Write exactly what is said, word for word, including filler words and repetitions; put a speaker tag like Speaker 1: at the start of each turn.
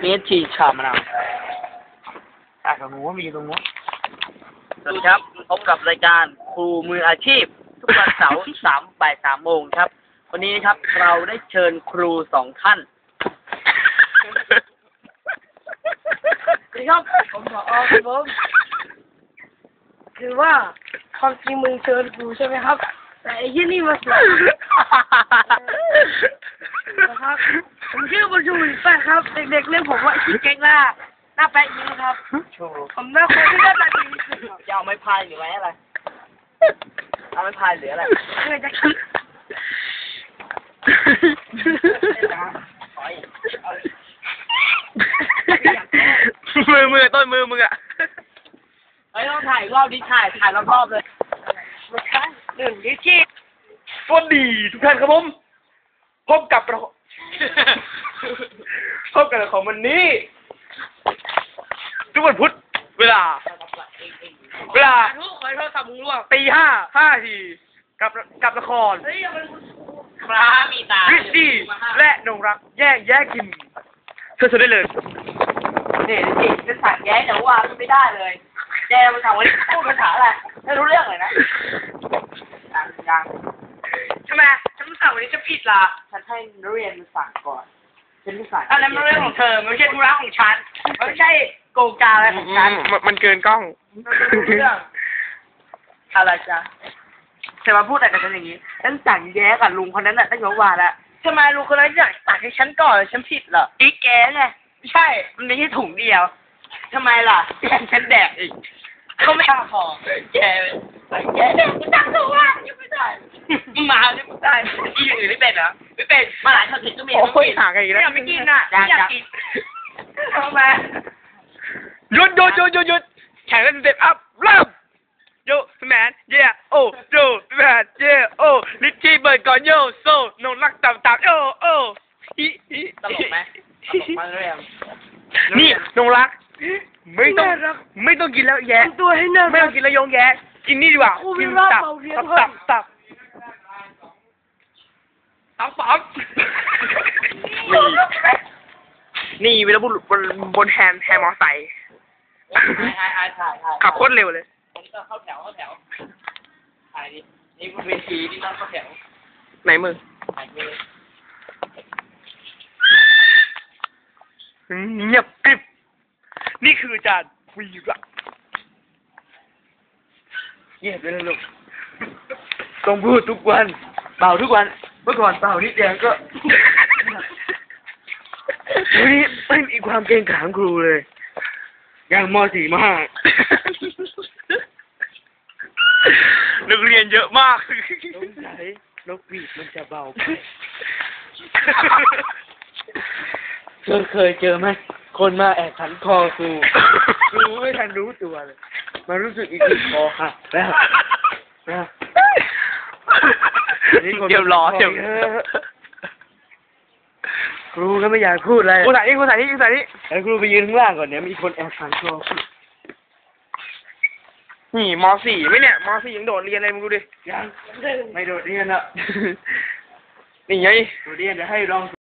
Speaker 1: เมสชีชามะนาว
Speaker 2: อ่ะตรงนู้นมีตรงนู้น
Speaker 1: สวัสดีครับพบกับรายการครูมืออาชีพ ทุกวันเสาร์สามบ่ายสามโมงครับ วันนี้ครับเราได้เชิญครูสองท่านสวัสดีครับผมผอครับผมคือว่าความจริงมึงเชิญครูใช่ไหมครับ แต่ไอ้ที่นี่มาสอนนะครับผมชื่อบุญชูแป๊ะครับ เด็กๆเรียกผมว่าชิเก่งหน้าหน้าแป๊ะยิ้มครับผมหน้าคนที่หน้าตาดีจะเอาไม้พายหรือไม้อะไรเอาไม้พายหรืออะไรเพื่อจะคิดมือมือต้นมือมึงอ่ะเฮ้ยต้องถ่ายรอบนี้ถ่ายถ่ายรอบๆเลยหนึ่งดิชี่
Speaker 2: สวัสดีทุกท่านครับผมพบกับเราพบกับเราของวันนี้ทุกวันพุธเวลาเวลาตีห้าห้าทีกับกับละคร
Speaker 1: พระมีตา
Speaker 2: ริชดี้และนงรักแย่งแย่กินเชิญชมได้เลย
Speaker 1: เนี่ยดิจะสั่งแย่แต่ว่าไม่ได้เลยแย่มาถามว่าพูดภาษาอะไรไม่รู้เรื่องเลยนะยังยังทำไมฉันสั่งวันนี้จะผิดล่ะฉันให้นักเรียนมาสั่งก่อนฉันไม่สั่งอันนั้นมันเรื่องของเธอไม่ใช่ธุระของฉันไม่ใช่โกงกาอะไรของฉัน
Speaker 2: มันเกินกล้อง
Speaker 1: เรื่องอะไรจ๊ะจะมาพูดอะไรกับฉันอย่างนี้ฉันสั่งแย้กับลุงคนนั้นน่ะตั้งแต่เมื่อวานแล้วทำไมลุงคนนั้นอยากตักให้ฉันก่อนฉันผิดเหรออีแกไงไม่ใช่มันไม่ใช่ถุงเดียวทำไมล่ะแกฉันแดกอีกเขาไม่พอแกแกแดกกูตักถูกว่ายังไม่ได้มาเนี่ยไม่ได้อีอย่างอื่นไม่เป็นเหรอไม่เป็นมาหลายครั้งก็มี
Speaker 2: โอ้ยห่างกันอีกแล้ว
Speaker 1: ไม่กินอ่ะอยากกินทำไม
Speaker 2: หยุดหยุดหยุดหยุดหยุดแข่งกันเสร็จอัพเริ่มโยแมนเย่โอ้โยแมนเย่โอ้ลิชชี่เบิร์ดก่อนโยโซ่นงรักต่ำต่ำโอ้โอ้ฮิฮิ
Speaker 1: ตลกไหมตลกมากเลยอ่ะ
Speaker 2: นี่นงรักไม่ต้องไม่ต้องกินแล้วแย่
Speaker 1: ตัวให้เนิ่
Speaker 2: ไม่ต้องกินแล้วยงแย่กินนี่ดีกว่ากินตับตับตับตับตับนี่เวลาบุรุษบนบนแฮนด์แฮนด์มอไซค์ขับโคตรเร็วเลย
Speaker 1: เข้าแถวเข้าแถวถ่ายดินี่บนเวทีนี่ต้องเข้าแถว
Speaker 2: ไหนมึง
Speaker 1: ถ่ายมือ
Speaker 2: เงียบกริบนี่คืออาจารย์วีระเงียบเลยลูกต้องพูดทุกวันเป่าทุกวันเมื่อก่อนเป่านิดเดียวก็วันนี้ไม่มีความเกรงขามครูเลยยังม.สี่ มากนักเรียนเยอะมากสงสัยนกหวีดมันจะเบาไปเธอเคยเจอไหมคนมาแอบขันคอครูครูไม่ทันรู้ตัวเลยมารู้สึกอีกทีคอหักแล้วนะ
Speaker 1: เดี๋ยวรอเดี๋ยว
Speaker 2: ครูก็ไม่อยากพูดอะไรครูใส่นี่ครูใส่นี่ครูใส่นี่ไอ้ครูไปยืนข้างล่างก่อนเนี่ยมีคนแอบขันคอนี่ม.สี่ ไหมเนี่ยม.สี่ ยังโดดเรียนเลยมึงดูดิยังไม่โดดเรียนอ่ะนี่ไงโดดเรียนเดี๋ยวให้ลอง